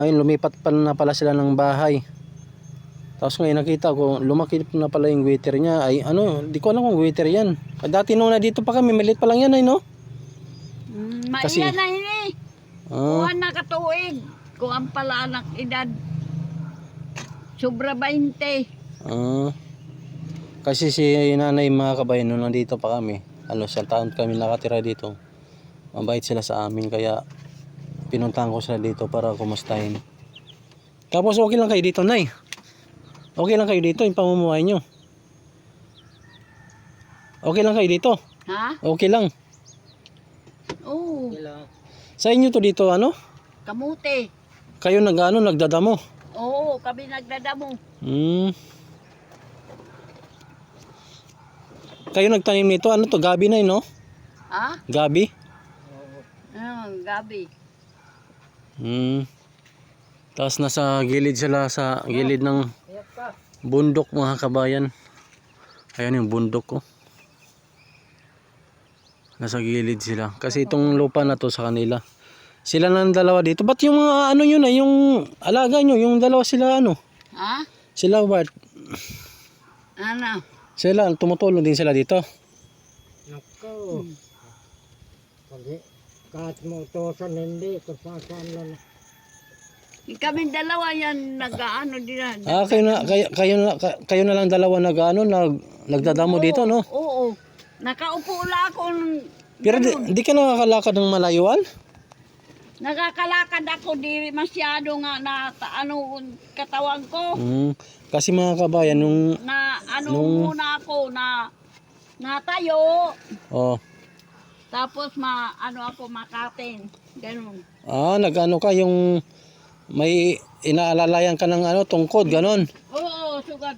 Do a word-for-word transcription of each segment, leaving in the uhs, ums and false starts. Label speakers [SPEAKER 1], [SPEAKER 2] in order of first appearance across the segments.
[SPEAKER 1] Ayun, lumipat pa na pala sila ng bahay. Tapos ngayon nakita ko, lumaki na pala yung waiter niya. Ay ano, di ko alam kung waiter yan. Dati nung na dito pa kami, maliit pa lang yan ay no?
[SPEAKER 2] Mm,
[SPEAKER 1] Kasi-
[SPEAKER 2] maiyan na ini.
[SPEAKER 1] Ah,
[SPEAKER 2] Kuha na katuig. Kung ang pala anak edad. Sobra bainte.
[SPEAKER 1] ah. Kasi si nanay mga kabayan, nung nandito pa kami, ano, sa taon kami nakatira dito. Mabait sila sa amin, kaya pinuntahan ko sila dito para kumustahin. Tapos okay lang kayo dito, Nay? Okay lang kayo dito, yung pamumuhay nyo? Okay lang kayo dito?
[SPEAKER 2] Ha?
[SPEAKER 1] Okay lang.
[SPEAKER 2] Oo.
[SPEAKER 1] Sa inyo to dito, ano?
[SPEAKER 2] Kamuti.
[SPEAKER 1] Kayo nag, ano, nagdadamo?
[SPEAKER 2] Oo, kami nagdadamo.
[SPEAKER 1] Hmm. Kayo nagtanim nito, ano to? Gabi na no?
[SPEAKER 2] Ha?
[SPEAKER 1] Gabi?
[SPEAKER 2] Ah, gabi.
[SPEAKER 1] Hmm. Tapos nasa gilid sila, sa gilid ng bundok mga kabayan. Ayan yung bundok ko. Nasa gilid sila. Kasi itong lupa na to sa kanila. Sila lang dalawa dito. Ba't yung mga ano yun ay, yung alaga nyo, yung dalawa sila ano?
[SPEAKER 2] Ha?
[SPEAKER 1] Sila ba't?
[SPEAKER 2] Ano?
[SPEAKER 1] Sila, tumutulong din sila dito.
[SPEAKER 3] Nako. Kasi kahit mo utosan hindi, kasasan lang.
[SPEAKER 2] Kami dalawa yan nag-ano din.
[SPEAKER 1] Ah, kayo na, kayo, kayo na, kayo na lang dalawa nag, ano, nag, nagdadamo dito, no?
[SPEAKER 2] Oo. Nakaupo lang ako. ng-
[SPEAKER 1] Pero di,
[SPEAKER 2] ganun.
[SPEAKER 1] di ka nakakalakad ng malayuan?
[SPEAKER 2] Nakakalakad ako di masyado nga na ta- ano katawan ko.
[SPEAKER 1] Hmm. Kasi mga kabayan, nung,
[SPEAKER 2] Na ano
[SPEAKER 1] Nung-
[SPEAKER 2] muna ako na natayo.
[SPEAKER 1] oh,
[SPEAKER 2] Tapos ma ano ako makatin. Ganun.
[SPEAKER 1] ah, nag-ano ka, yung may inaalalayan ka ng ano, tungkod, ganon.
[SPEAKER 2] Oo, sugad.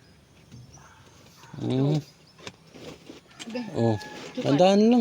[SPEAKER 1] Hmm. Oh, tandaan lang.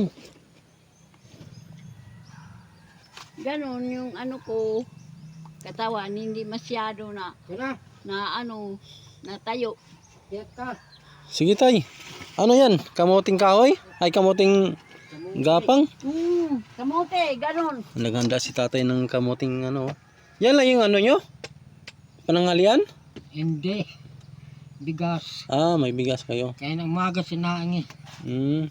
[SPEAKER 2] Ganun yung ano ko katawan hindi masyado na
[SPEAKER 3] Kaya,
[SPEAKER 2] na ano natayo.
[SPEAKER 3] kaya ka.
[SPEAKER 1] Sige tay. Ano yan? Kamuting kahoy? Ay, kamuting gapang?
[SPEAKER 2] Hmm, kamote, ganun.
[SPEAKER 1] Naghanda si tatay ng kamuting ano. Yan lang yung ano nyo? Panangalian?
[SPEAKER 3] Hindi. Bigas.
[SPEAKER 1] Ah, may bigas kayo.
[SPEAKER 3] Kaya ng umaga sinaing eh.
[SPEAKER 1] Hmm.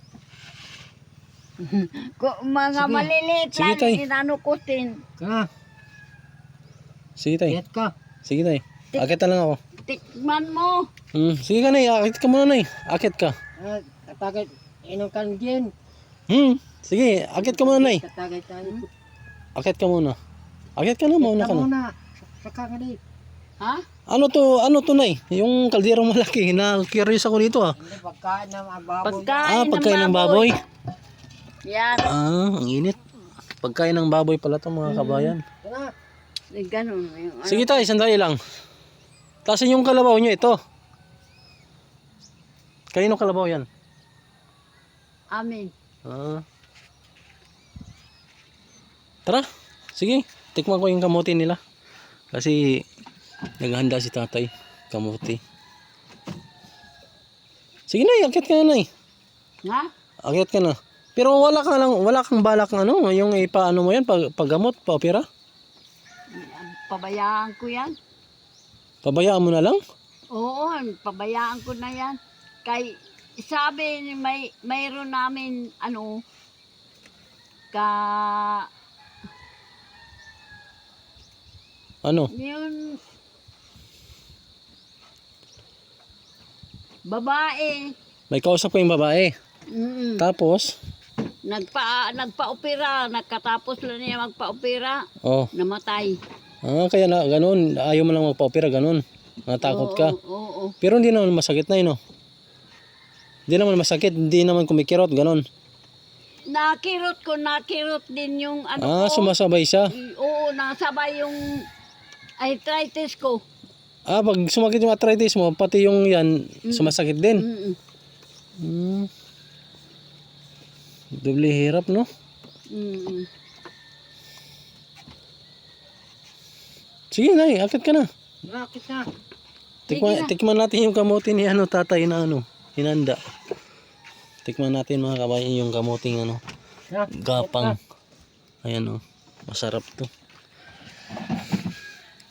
[SPEAKER 2] Ko, mga
[SPEAKER 3] Sige.
[SPEAKER 2] maliliit
[SPEAKER 1] Sige,
[SPEAKER 2] lang
[SPEAKER 1] tay.
[SPEAKER 2] inano ko tin.
[SPEAKER 3] Kaya,
[SPEAKER 1] Sige tay.
[SPEAKER 3] kaya ka.
[SPEAKER 1] Sige tay. Akit na lang ako.
[SPEAKER 2] Tikman mo.
[SPEAKER 1] Hmm. Sige ka nay. Akit ka muna nay. Akit ka.
[SPEAKER 3] Ah, katagay, inong kan dyan.
[SPEAKER 1] Hmm. Sige. Akit ka muna nay.
[SPEAKER 3] Katagay tayo.
[SPEAKER 1] Akit ka muna. Akit ka na. Mauna
[SPEAKER 3] Kita
[SPEAKER 1] ka na.
[SPEAKER 3] muna. Saka nga di.
[SPEAKER 2] Ha?
[SPEAKER 1] Ano to? Ano to nay? Yung kalderong malaki. Na-curious ako dito ah.
[SPEAKER 3] Hindi, pagkain ng mga baboy.
[SPEAKER 2] Pagkain,
[SPEAKER 1] Ah, pagkain ng baboy.
[SPEAKER 2] Yan.
[SPEAKER 1] Ah, ang init. Pagkain ng baboy pala to mga kabayan.
[SPEAKER 3] Kaya,
[SPEAKER 2] Eh, ganun. Yung, ano.
[SPEAKER 1] Sige tayo, sandali lang. Tasin yung kalabaw nyo ito. Kanino kalabaw yan?
[SPEAKER 2] Amin.
[SPEAKER 1] Ah. Tara, sige. Tikman ko yung kamuti nila. Kasi naghahanda si tatay. Kamuti. Sige na, akit ka na, nay.
[SPEAKER 2] Ha?
[SPEAKER 1] Akit ka na. Pero wala kang lang, wala kang balak ano, yung ipaano mo yan, pag, paggamot, paopera.
[SPEAKER 2] Pabayaan ko yan.
[SPEAKER 1] Pabayaan mo na lang.
[SPEAKER 2] Oo, pabayaan ko na yan. Kay sabi ni may mayroon namin ano ka
[SPEAKER 1] Ano?
[SPEAKER 2] yun babae.
[SPEAKER 1] May kausap ko yung babae.
[SPEAKER 2] Mm.
[SPEAKER 1] Tapos,
[SPEAKER 2] Nagpa nagpa-opera, nagkatapos lang niya magpa-opera,
[SPEAKER 1] oh,
[SPEAKER 2] namatay.
[SPEAKER 1] ah, kaya na, ganun, ayaw mo lang magpa-opera, ganun. Natakot ka.
[SPEAKER 2] Oo, oo, oo.
[SPEAKER 1] Pero hindi naman masakit na yun, no? Hindi naman masakit, hindi naman kumikirot, ganun.
[SPEAKER 2] Nakirot ko, nakirot din yung ano
[SPEAKER 1] Ah,
[SPEAKER 2] ko.
[SPEAKER 1] sumasabay siya.
[SPEAKER 2] Oo, nasabay yung arthritis ko.
[SPEAKER 1] Ah, pag sumakit yung arthritis mo, pati yung yan, sumasakit din.
[SPEAKER 2] Mm-mm.
[SPEAKER 1] Hmm. Doble hirap, no?
[SPEAKER 2] Mm-mm.
[SPEAKER 1] Sige, nay, akit ka na.
[SPEAKER 3] Bakit na?
[SPEAKER 1] Tikman, tikman natin yung kamuti ni ano, tatay na ano, hinanda. Tikman natin mga kabayan yung kamuting ano,
[SPEAKER 3] Ha?
[SPEAKER 1] gapang. Ayan, oh, masarap to.